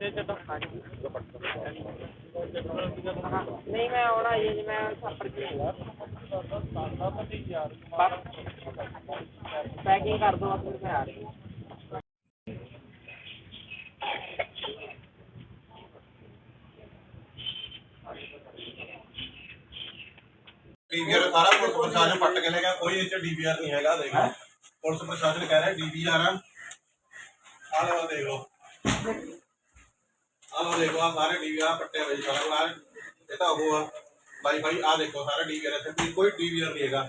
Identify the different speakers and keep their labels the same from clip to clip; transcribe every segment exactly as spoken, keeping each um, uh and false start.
Speaker 1: नहीं मैं आना ही है मैं छापर की पैकिंग कर दो फिर मैं आ रही हूँ।
Speaker 2: डीवीआर सारा पुलिस प्रशासन पट के ले गया, कोई इस डीवीआर नहीं है। देखो पुलिस प्रशासन कह रहा है डीवीआर है। आ लो देख लो, आ लो देखो, आ सारे डीवीआर पट्टे हुए सारा ये तो वो भाई भाई आ देखो सारा डीवीआर है, कोई डीवीआर नहीं है।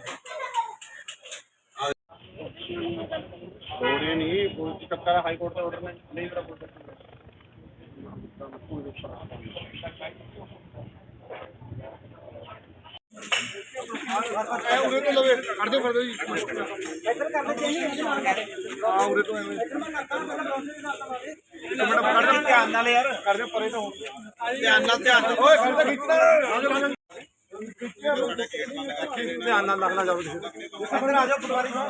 Speaker 3: ऑर्डर नहीं पुलिस कप्तान हाई कोर्ट का ऑर्डर नहीं मेरा पुलिस उरे तो लवे कर दो कर दो जी इधर कर दो चाहिए हां उरे तो एक मिनट कर दो ध्यान नाल यार कर दो परे तो ध्यान नाल ध्यान ओए कर दो खींचना ध्यान नाल लगना जाओ इधर आ जाओ पटवारी साहब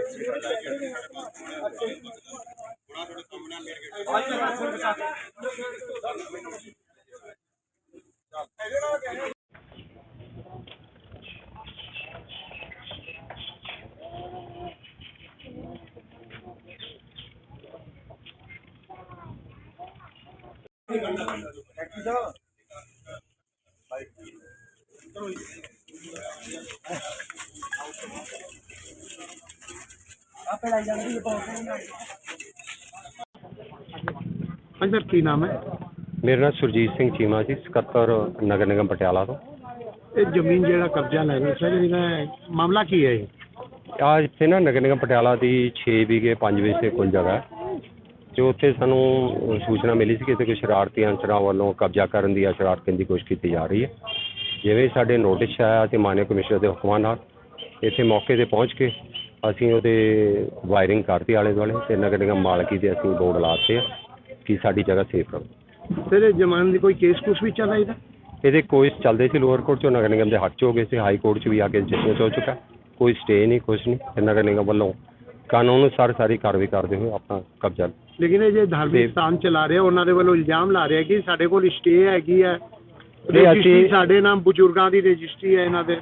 Speaker 4: हाँ सर की नाम है?
Speaker 5: मेरा नाम सुरजीत सिंह चीमा जी, ਸਕੱਤਰ नगर निगम पटियाला तो।
Speaker 4: ਇਹ ਜ਼ਮੀਨ ਜਿਹੜਾ ਕਬਜ਼ਾ ਲੈ ਰਹੇ ਸਰ ਇਹਦਾ ਮਾਮਲਾ ਕੀ ਹੈ?
Speaker 5: ਆ ਇੱਥੇ ਨਾ ਨਗਰ ਨਿਗਮ ਪਟਿਆਲਾ ਦੀ ਛੇ ਵਿਗੇ ਪੰਜ ਵਿਸੇ ਕੁੱਲ ਜਗ੍ਹਾ ਜੋ ਉੱਥੇ ਸਾਨੂੰ ਸੂਚਨਾ ਮਿਲੀ ਸੀ ਕਿ ਇੱਥੇ ਕੋਈ ਸ਼ਰਾਰਤੀ ਅਨਸਰਾਂ ਵੱਲੋਂ ਕਬਜ਼ਾ ਕਰਨ ਦੀ ਜਾਂ ਸ਼ਰਾਰਤ ਕਰਨ ਦੀ ਕੋਸ਼ਿਸ਼ ਕੀਤੀ ਜਾ ਰਹੀ ਹੈ। ਜਿਵੇਂ ਸਾਡੇ ਨੋਟਿਸ ਆਇਆ ਤੇ ਮਾਨਯੋਗ ਕਮਿਸ਼ਨਰ ਦੇ ਹੁਕਮਾਂ ਨਾਲ ਇੱਥੇ ਮੌਕੇ 'ਤੇ ਪਹੁੰਚ ਕੇ ਅਸੀਂ ਉਹਦੇ ਵਾਇਰਿੰਗ ਕਰਤੀ ਆਲੇ ਦੁਆਲੇ ਤੇ ਨਗਰ ਨਿਗਮ ਮਾਲਕੀ ਦੇ ਅਸੀਂ ਬੋਰਡ ਲਾਤੇ ਆ ਕਿ ਸਾਡੀ ਜਗ੍ਹਾ ਸੇਫ ਰਹੇ।
Speaker 4: ਸਰ ਇਹ ਜ਼ਮਾਨ ਦੀ ਕੋਈ ਕੇਸ ਕੁਛ ਵੀ ਚੱਲ ਰਿਹਾ ਇਹਦਾ?
Speaker 5: ਇਹਦੇ ਕੋਈ ਚੱਲਦੇ ਸੀ ਲੋਅਰ ਕੋਰਟ 'ਚੋਂ ਨਗਰ ਨਿਗਮ ਦੇ ਹੱਥ 'ਚ ਹੋ ਗਏ ਸੀ, ਹਾਈ ਕੋਰਟ 'ਚ ਵੀ ਆ ਕੇ ਜੱਜਮੈਂਟ ਹੋ ਚੁੱਕਾ, ਕੋਈ ਸਟੇ ਨਹੀਂ ਕੁਛ ਨਹੀਂ। ਤੇ ਨਗਰ ਨਿਗਮ ਵੱਲੋਂ ਕਾਨੂੰਨ ਅਨੁਸਾਰ ਸਾਰੀ ਕਾਰਵਾਈ ਕਰਦੇ ਹੋਏ ਆਪਣਾ ਕਬਜ਼ਾ।
Speaker 4: ਲੇਕਿਨ ਇਹ ਜੇ ਧਾਰਮਿਕ ਸਥਾਨ ਚਲਾ ਰਿਹਾ ਉਹਨਾਂ ਦੇ ਵੱਲੋਂ ਇਲਜ਼ਾਮ ਲਾ ਰਿਹਾ ਕਿ ਸਾਡੇ ਕੋਲ ਸਟੇ ਹੈਗੀ ਹੈ, ਰਜਿਸਟਰੀ ਸਾਡੇ ਨਾਮ ਬਜ਼ੁਰਗਾਂ ਦੀ ਰਜਿਸਟਰੀ ਹੈ ਇਹਨਾਂ ਦੇ।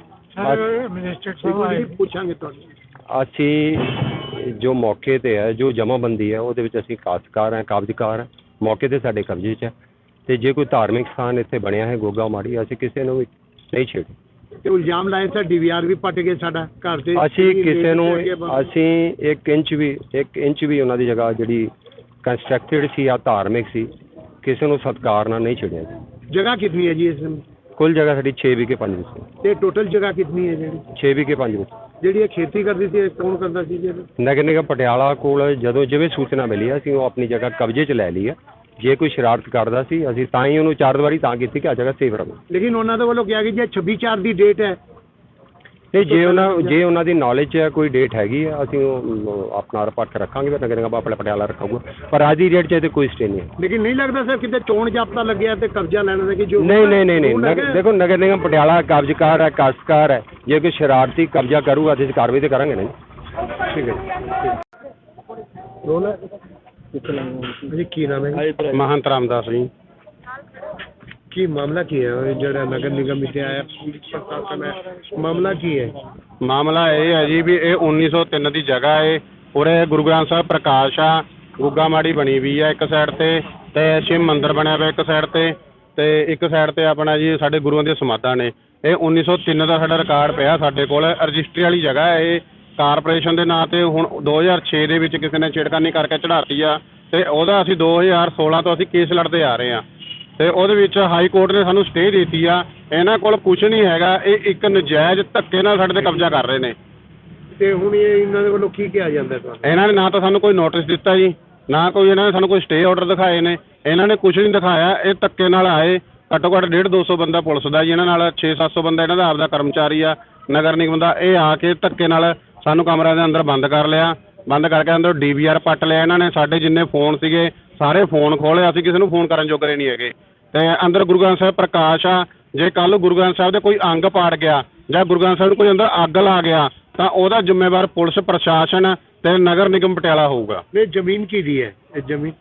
Speaker 4: ਪੁੱਛਾਂਗੇ ਤੁਹਾਨੂੰ
Speaker 5: ਅਸੀਂ ਜੋ ਮੌਕੇ 'ਤੇ ਹੈ ਜੋ ਜਮ੍ਹਾਂਬੰਦੀ ਹੈ ਉਹਦੇ ਵਿੱਚ ਅਸੀਂ ਕਾਸ਼ਤਕਾਰ ਹੈ, ਕਾਬਜ਼ਕਾਰ ਹੈ, ਮੌਕੇ 'ਤੇ ਸਾਡੇ ਕਬਜ਼ੇ 'ਚ ਹੈ। ਤੇ ਜੇ ਕੋਈ ਧਾਰਮਿਕ ਸਥਾਨ ਇੱਥੇ ਬਣਿਆ ਹੈ ਗੋਗਾ ਮਾੜੀ ਅਸੀਂ ਕਿਸੇ ਨੂੰ ਵੀ ਨਹੀਂ ਛੇੜੀ।
Speaker 4: ਤੇ ਇਲਜ਼ਾਮ ਲਾਏ ਸਰ ਡੀਵੀਆਰ ਵੀ ਪੱਟ ਗਏ ਸਾਡਾ ਘਰ ਤੇ।
Speaker 5: ਅਸੀਂ ਕਿਸੇ ਨੂੰ ਅਸੀਂ ਇੱਕ ਇੰਚ ਵੀ ਇੱਕ ਇੰਚ ਵੀ ਉਹਨਾਂ ਦੀ ਜਗ੍ਹਾ ਜਿਹੜੀ ਕੰਸਟਰਕਟਡ ਸੀ ਜਾਂ ਧਾਰਮਿਕ ਸੀ ਕਿਸੇ ਨੂੰ ਸਤਿਕਾਰ ਨਾਲ ਨਹੀਂ ਛੇੜਿਆ ਜੀ।
Speaker 4: ਜਗ੍ਹਾ ਕਿੰਨੀ ਹੈ ਜੀ ਇਸ
Speaker 5: ਕੁੱਲ ਜਗ੍ਹਾ ਸਾਡੀ ਛੇ ਵਿਗੇ ਪੰਜ ਵਿਸੇ।
Speaker 4: ਤੇ ਟੋਟਲ ਜਗ੍ਹਾ ਕਿੰਨੀ ਹੈ ਜਿਹੜੀ?
Speaker 5: ਛੇ ਵਿਗੇ ਪੰਜ ਵਿਸੇ।
Speaker 4: ਜਿਹੜੀ ਇਹ ਖੇਤੀ ਕਰਦੀ ਸੀ ਕੌਣ ਕਰਦਾ ਸੀ ਜੀ?
Speaker 5: ਨਗਰ ਨਿਗਮ ਪਟਿਆਲਾ ਕੋਲ ਜਦੋਂ ਜਿਵੇਂ ਸੂਚਨਾ ਮਿਲੀ ਅਸੀਂ ਉਹ ਆਪਣੀ ਜਗ੍ਹਾ ਕਬਜ਼ੇ 'ਚ ਲੈ ਲਈ ਹੈ। ਜੇ ਕੋਈ ਸ਼ਰਾਰਤ ਕਰਦਾ ਸੀ ਅਸੀਂ ਤਾਂ ਹੀ ਉਹਨੂੰ ਚਾਰ ਦੀਵਾਰੀ ਤਾਂ ਕੀਤੀ ਕਿ ਆ ਜਗ੍ਹਾ ਸੇਫ ਰਹੇ।
Speaker 4: ਲੇਕਿਨ ਉਹਨਾਂ ਦੇ ਵੱਲੋਂ ਕਿਹਾ ਕਿ ਜੇ ਛੱਬੀ ਚਾਰ ਦੀ ਡੇਟ ਹੈ
Speaker 5: ਤੇ ਜੇ ਉਹਨਾਂ ਜੇ ਉਹਨਾਂ ਦੀ ਨੌਲੇਜ ਹੈ ਕੋਈ ਡੇਟ ਹੈਗੀ ਹੈ ਅਸੀਂ ਉਹ ਆਪਣਾ ਰਿਪੋਰਟ ਰੱਖਾਂਗੇ ਫਿਰ ਨਗਰ ਨਿਗਮ ਆਪਣਾ ਪਟਿਆਲਾ ਰੱਖਾਂਗਾ, ਪਰ ਅੱਜ ਦੀ ਡੇਟ 'ਚ ਇਹਦੇ ਕੋਈ ਸਟੇ ਨਹੀਂ ਹੈ।
Speaker 4: ਲੇਕਿਨ ਨਹੀਂ ਲੱਗਦਾ ਸਰ ਕਿਤੇ ਚੋਣ ਜਾਬਤਾ ਲੱਗਿਆ ਤੇ ਕਬਜ਼ਾ ਲੈਣ ਦਾ ਕਿ ਜੋ
Speaker 5: ਨਹੀਂ ਨਹੀਂ ਨਹੀਂ ਨਹੀਂ ਦੇਖੋ ਨਗਰ ਨਿਗਮ ਪਟਿਆਲਾ ਕਬਜ਼ਕਾਰ ਹੈ, ਕਾਸ਼ਤਕਾਰ ਹੈ। ਜੇ ਕੋਈ ਸ਼ਰਾਰਤੀ ਕਬਜ਼ਾ ਕਰੂਗਾ ਤੇ ਕਾਰਵਾਈ ਤੇ ਕਰਾਂਗੇ ਨਹੀਂ। ਠੀਕ ਹੈ
Speaker 4: ਜੀ। ਕੀ ਨਾਮ ਹੈ?
Speaker 5: ਮਹੰਤ ਰਾਮਦਾਸ ਜੀ।
Speaker 4: ਕੀ ਮਾਮਲਾ ਕੀ ਹੈ ਜਿਹੜਾ ਨਗਰ ਨਿਗਮ ਵਿੱਚ ਆਇਆ ਪੁਲਿਸ ਪ੍ਰਸ਼ਾਸਨ ਹੈ, ਮਾਮਲਾ ਕੀ ਹੈ?
Speaker 3: ਮਾਮਲਾ ਇਹ ਹੈ ਜੀ ਵੀ ਇਹ ਉੱਨੀ ਸੌ ਤਿੰਨ ਦੀ ਜਗ੍ਹਾ ਹੈ। ਉਰੇ ਗੁਰੂ ਗ੍ਰੰਥ ਸਾਹਿਬ ਪ੍ਰਕਾਸ਼ ਆ, ਗੁੱਗਾ ਮਾੜੀ ਬਣੀ ਵੀ ਆ ਇੱਕ ਸਾਈਡ ਤੇ ਤੇ ਸ਼ਿਵ ਮੰਦਿਰ ਬਣਿਆ ਪਿਆ ਇੱਕ ਸਾਈਡ ਤੇ ਤੇ ਇੱਕ ਸਾਈਡ ਤੇ ਆਪਣਾ ਜੀ ਸਾਡੇ ਗੁਰੂਆਂ ਦੀਆਂ ਸਮਾਧਾਂ ਨੇ। ਇਹ ਉੱਨੀ ਸੌ ਤਿੰਨ ਦਾ ਸਾਡਾ ਰਿਕਾਰਡ ਪਿਆ ਸਾਡੇ ਕੋਲ, ਰਜਿਸਟਰੀ ਵਾਲੀ ਜਗ੍ਹਾ ਹੈ ਇਹ ਕਾਰਪੋਰੇਸ਼ਨ ਦੇ ਨਾਂ ਤੇ। ਹੁਣ ਦੋ ਹਜ਼ਾਰ ਛੇ ਦੇ ਵਿੱਚ ਕਿਸੇ ਨੇ ਛੇੜਖਾਨੀ ਕਰਕੇ ਚੜ੍ਹਾਤੀ ਆ ਤੇ ਉਹਦਾ ਅਸੀਂ ਦੋ ਹਜ਼ਾਰ ਸੋਲਾਂ ਤੋਂ ਅਸੀਂ ਕੇਸ ਲੜਦੇ ਆ ਰਹੇ ਹਾਂ ਤੇ ਉਹਦੇ ਵਿੱਚ ਹਾਈ ਕੋਰਟ ਨੇ ਸਾਨੂੰ ਸਟੇ ਦਿੱਤੀ ਆ। ਇਹਨਾਂ ਕੋਲ ਕੁਛ ਨਹੀਂ ਹੈਗਾ, ਇਹ ਇੱਕ ਨਜਾਇਜ਼ ਧੱਕੇ ਨਾਲ ਸਾਡੇ ਤੇ ਕਬਜ਼ਾ ਕਰ ਰਹੇ ਨੇ।
Speaker 4: ਤੇ ਹੁਣ ਇਹ ਇਹਨਾਂ ਦੇ ਵੱਲੋਂ ਕੀ ਕਿਹਾ ਜਾਂਦਾ ਤੁਹਾਨੂੰ?
Speaker 3: ਇਹਨਾਂ ਨੇ ਨਾ ਤਾਂ ਸਾਨੂੰ ਕੋਈ ਨੋਟਿਸ ਦਿੱਤਾ ਜੀ, ਨਾ ਕੋਈ ਇਹਨਾਂ ਨੇ ਸਾਨੂੰ ਕੋਈ ਸਟੇ ਆਰਡਰ ਦਿਖਾਏ ਨੇ। ਇਹਨਾਂ ਨੇ ਕੁਛ ਨਹੀਂ ਦਿਖਾਇਆ, ਇਹ ਧੱਕੇ ਨਾਲ ਆਏ। ਘੱਟੋ ਘੱਟ ਡੇਢ ਦੋ ਸੌ ਬੰਦਾ ਪੁਲਿਸ ਦਾ ਜੀ ਇਹਨਾਂ ਨਾਲ, ਛੇ ਸੱਤ ਸੌ ਬੰਦਾ ਇਹਨਾਂ ਦਾ ਆਪਦਾ ਕਰਮਚਾਰੀ ਆ ਨਗਰ ਨਿਗਮ ਦਾ। ਇਹ ਆ ਕੇ ਧੱਕੇ ਨਾਲ ਸਾਨੂੰ ਕਮਰਿਆਂ ਦੇ ਅੰਦਰ ਬੰਦ ਕਰ ਲਿਆ, ਬੰਦ ਕਰਕੇ ਅੰਦਰ ਡੀ ਵੀ ਆਰ ਪੱਟ ਲਿਆ ਇਹਨਾਂ ਨੇ। ਸਾਡੇ ਜਿੰਨੇ ਫੋਨ ਸੀਗੇ ਸਾਰੇ ਫੋਨ ਖੋਲ੍ਹੇ, ਅਸੀਂ ਕਿਸੇ ਨੂੰ ਫੋਨ ਕਰਨ ਜੋਗਰੇ ਨਹੀਂ ਹੈਗੇ। ਤੇ ਅੰਦਰ ਗੁਰੂ ਗ੍ਰੰਥ ਸਾਹਿਬ ਪ੍ਰਕਾਸ਼ ਆ, ਜੇ ਕੱਲ੍ਹ ਗੁਰੂ ਗ੍ਰੰਥ ਸਾਹਿਬ ਦੇ ਕੋਈ ਅੰਗ ਪਾੜ ਗਿਆ ਜਾਂ ਗੁਰੂ ਗ੍ਰੰਥ ਸਾਹਿਬ ਨੂੰ ਕੋਈ ਅੰਦਰ ਅੱਗ ਲਾ ਗਿਆ ਤਾਂ ਉਹਦਾ ਜ਼ਿੰਮੇਵਾਰ ਪੁਲਿਸ ਪ੍ਰਸ਼ਾਸਨ ਤੇ ਨਗਰ ਨਿਗਮ ਪਟਿਆਲਾ ਹੋਊਗਾ।
Speaker 4: ਇਹ ਜ਼ਮੀਨ ਕਿਹਦੀ ਹੈ? ਇਹ ਜ਼ਮੀਨ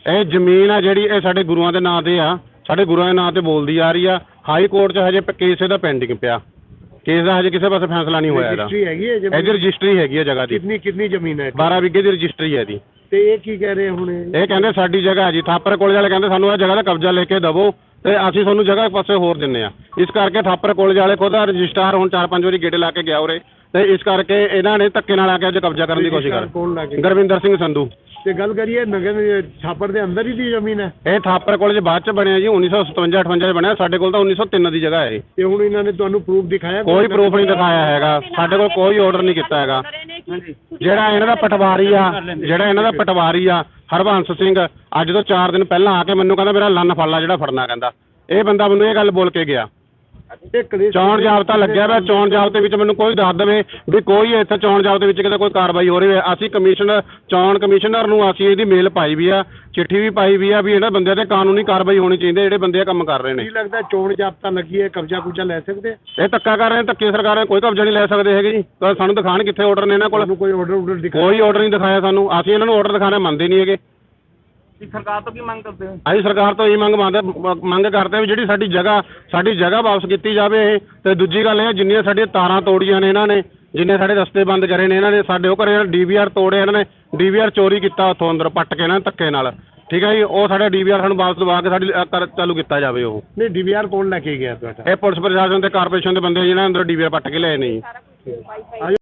Speaker 3: ਇਹ ਜ਼ਮੀਨ ਆ ਜਿਹੜੀ ਇਹ ਸਾਡੇ ਗੁਰੂਆਂ ਦੇ ਨਾਂ ਤੇ ਆ, ਸਾਡੇ ਗੁਰੂਆਂ ਦੇ ਨਾਂ ਤੇ ਬੋਲਦੀ ਆ ਰਹੀ ਆ। ਹਾਈ ਕੋਰਟ 'ਚ ਹਜੇ ਪ- ਕੇਸ ਇਹਦਾ ਪੈਂਡਿੰਗ ਪਿਆ, ਕੇਸ ਦਾ ਹਜੇ ਕਿਸੇ ਪਾਸੇ ਫੈਸਲਾ ਨਹੀਂ ਹੋਇਆ ਇਹਦਾ।
Speaker 4: ਰਜਿਸਟਰੀ ਹੈਗੀ ਹੈ ਜ਼ਮੀਨ?
Speaker 3: ਇਹਦੀ ਰਜਿਸਟਰੀ ਹੈਗੀ ਆ ਜਗ੍ਹਾ ਦੀ,
Speaker 4: ਕਿੰਨੀ ਕਿੰਨੀ ਜ਼ਮੀਨ ਹੈ?
Speaker 3: ਬਾਰਾਂ ਵਿਗੇ ਦੀ ਰਜਿਸਟਰੀ ਹੈ ਇਹਦੀ।
Speaker 4: ਤੇ ਇਹ ਕੀ ਕਹਿ ਰਹੇ ਹੁਣ ਇਹ?
Speaker 3: ਇਹ ਕਹਿੰਦੇ ਸਾਡੀ ਜਗ੍ਹਾ ਹੈ ਜੀ, ਥਾਪਰ ਕਾਲਜ ਵਾਲੇ ਕਹਿੰਦੇ ਸਾਨੂੰ ਇਹ ਜਗ੍ਹਾ ਦਾ ਕਬਜ਼ਾ ਲੈ ਕੇ ਦੇਵੋ ਤੇ ਅਸੀਂ ਤੁਹਾਨੂੰ ਜਗ੍ਹਾ ਇੱਕ ਪਾਸੇ ਹੋਰ ਦਿੰਨੇ ਆ। ਇਸ ਕਰਕੇ ਥਾਪਰ ਕਾਲਜ ਵਾਲੇ ਖੁਦ ਰਜਿਸਟਰਾਰ ਹੁਣ ਚਾਰ ਪੰਜ ਵਾਰੀ ਗੇੜੇ ਲਾ ਕੇ ਗਿਆ ਉਰੇ, ਤੇ ਇਸ ਕਰਕੇ ਇਹਨਾਂ ਨੇ ਧੱਕੇ ਨਾਲ ਆ ਕੇ ਅੱਜ ਕਬਜ਼ਾ ਕਰਨ ਦੀ ਕੋਸ਼ਿਸ਼ ਕਰ
Speaker 4: ਕੌਣ ਲੱਗੇ?
Speaker 3: ਗੁਰਵਿੰਦਰ ਸਿੰਘ ਸੰਧੂ।
Speaker 4: ਤੇ ਗੱਲ ਕਰੀਏ ਨਗਰ ਛਾਪਰ ਦੇ ਅੰਦਰ ਹੀ ਦੀ ਜ਼ਮੀਨ ਹੈ?
Speaker 3: ਇਹ ਥਾਪਰ ਕਾਲਜ ਬਾਅਦ ਚ ਬਣਿਆ ਜੀ, ਉੱਨੀ ਸੌ ਸਤਵੰਜਾ ਅਠਵੰਜਾ 'ਚ ਬਣਿਆ। ਸਾਡੇ ਕੋਲ ਤਾਂ ਉੱਨੀ ਸੌ ਤਿੰਨ ਦੀ ਜਗ੍ਹਾ ਹੈ ਇਹ।
Speaker 4: ਤੇ ਹੁਣ ਇਹਨਾਂ ਨੇ ਤੁਹਾਨੂੰ ਪ੍ਰੂਫ ਦਿਖਾਇਆ?
Speaker 3: ਕੋਈ ਪ੍ਰੂਫ ਨਹੀਂ ਦਿਖਾਇਆ ਹੈਗਾ, ਸਾਡੇ ਕੋਲ ਕੋਈ ਆਰਡਰ ਨਹੀਂ ਕੀਤਾ ਹੈਗਾ। ਜਿਹੜਾ ਇਹਨਾਂ ਦਾ ਪਟਵਾਰੀ ਆ ਜਿਹੜਾ ਇਹਨਾਂ ਦਾ ਪਟਵਾਰੀ ਆ ਹਰਬੰਸ ਸਿੰਘ, ਅੱਜ ਤੋਂ ਚਾਰ ਦਿਨ ਪਹਿਲਾਂ ਆ ਕੇ ਮੈਨੂੰ ਕਹਿੰਦਾ ਮੇਰਾ ਲੰਨ ਫੜ ਲਾ ਜਿਹੜਾ ਫੜਨਾ, ਕਹਿੰਦਾ ਇਹ ਬੰਦਾ ਮੈਨੂੰ ਇਹ ਗੱਲ ਬੋਲ ਕੇ ਗਿਆ।
Speaker 4: ਇਹ ਕਲੇਸ਼
Speaker 3: ਚੋਣ ਜਾਬਤਾ ਲੱਗਿਆ ਵਾ, ਚੋਣ ਜਾਬਤੇ ਵਿੱਚ ਮੈਨੂੰ ਕੋਈ ਦੱਸ ਦੇਵੇ ਵੀ ਕੋਈ ਇੱਥੇ ਚੋਣ ਜਾਬਤੇ ਵਿੱਚ ਕਿਤੇ ਕੋਈ ਕਾਰਵਾਈ ਹੋ ਰਹੀ ਹੈ। ਅਸੀਂ ਕਮਿਸ਼ਨਰ ਚੋਣ ਕਮਿਸ਼ਨਰ ਨੂੰ ਅਸੀਂ ਇਹਦੀ ਮੇਲ ਪਾਈ ਵੀ ਆ, ਚਿੱਠੀ ਵੀ ਪਾਈ ਵੀ ਆ ਵੀ ਇਹਨਾਂ ਬੰਦਿਆਂ ਤੇ ਕਾਨੂੰਨੀ ਕਾਰਵਾਈ ਹੋਣੀ ਚਾਹੀਦੀ ਹੈ ਜਿਹੜੇ ਬੰਦੇ ਇਹ ਕੰਮ ਕਰ ਰਹੇ ਨੇ।
Speaker 4: ਕੀ ਲੱਗਦਾ ਚੋਣ ਜਾਬਤਾ ਲੱਗੀ ਹੈ, ਕਬਜ਼ਾ ਕੁਬਜ਼ਾ ਲੈ ਸਕਦੇ ਆ?
Speaker 3: ਇਹ ਧੱਕਾ ਕਰ ਰਹੇ ਨੇ, ਧੱਕੇ ਸਰਕਾਰ ਨੇ ਕੋਈ ਕਬਜ਼ਾ ਨਹੀਂ ਲੈ ਸਕਦੇ ਹੈਗੇ ਜੀ। ਤਾਂ ਸਾਨੂੰ ਦਿਖਾਣ ਕਿੱਥੇ ਆਰਡਰ ਨੇ ਇਹਨਾਂ ਕੋਲ,
Speaker 4: ਤੁਹਾਨੂੰ ਕੋਈ ਆਰਡਰ ਆਰਡਰ ਦਿਖਾਇਆ?
Speaker 3: ਕੋਈ ਆਰਡਰ ਨਹੀਂ ਦਿਖਾਇਆ ਸਾਨੂੰ। ਅਸੀਂ ਇਹਨਾਂ ਨੂੰ ਆਰਡਰ ਦਿਖਾਣੇ ਮੰਨਦੇ ਨਹੀਂ ਹੈਗੇ।
Speaker 1: ਸਰਕਾਰ ਤੋਂ ਕੀ ਮੰਗ ਕਰਦੇ ਹੋ?
Speaker 3: ਅਸੀਂ ਸਰਕਾਰ ਤੋਂ ਇਹ ਮੰਗ ਮੰਗਦੇ ਮੰਗ ਕਰਦੇ ਵੀ ਜਿਹੜੀ ਸਾਡੀ ਜਗ੍ਹਾ ਸਾਡੀ ਜਗ੍ਹਾ ਵਾਪਸ ਕੀਤੀ ਜਾਵੇ ਇਹ। ਤੇ ਦੂਜੀ ਗੱਲ ਇਹ ਜਿੰਨੀਆਂ ਸਾਡੀਆਂ ਤਾਰਾਂ ਤੋੜੀਆਂ ਨੇ ਇਹਨਾਂ ਨੇ, ਜਿੰਨੇ ਸਾਡੇ ਰਸਤੇ ਬੰਦ ਕਰੇ ਨੇ ਇਹਨਾਂ ਨੇ, ਸਾਡੇ ਉਹ ਘਰੇ ਡੀ ਵੀ ਆਰ ਤੋੜੇ ਇਹਨਾਂ ਨੇ, ਡੀ ਵੀ ਆਰ ਚੋਰੀ ਕੀਤਾ ਉੱਥੋਂ ਅੰਦਰ ਪੱਟ ਕੇ ਇਹਨਾਂ ਨੇ ਧੱਕੇ ਨਾਲ, ਠੀਕ ਹੈ ਜੀ। ਉਹ ਸਾਡਾ ਡੀ ਵੀ ਆਰ ਸਾਨੂੰ ਵਾਪਸ ਦਵਾ ਕੇ ਸਾਡੀ ਅ, ਕਰ ਚਾਲੂ ਕੀਤਾ ਜਾਵੇ ਉਹ।
Speaker 4: ਨਹੀਂ ਡੀ ਵੀ ਆਰ ਕੌਣ ਲੈ ਕੇ ਗਿਆ ਤੁਹਾਡਾ?
Speaker 3: ਇਹ ਪੁਲਿਸ ਪ੍ਰਸ਼ਾਸਨ ਤੇ ਕਾਰਪੋਰੇਸ਼ਨ ਦੇ ਬੰਦੇ ਜਿਹਨਾਂ ਅੰਦਰ ਡੀ ਵੀ ਆਰ ਪੱਟ ਕੇ ਲਏ ਨੇ ਜੀ।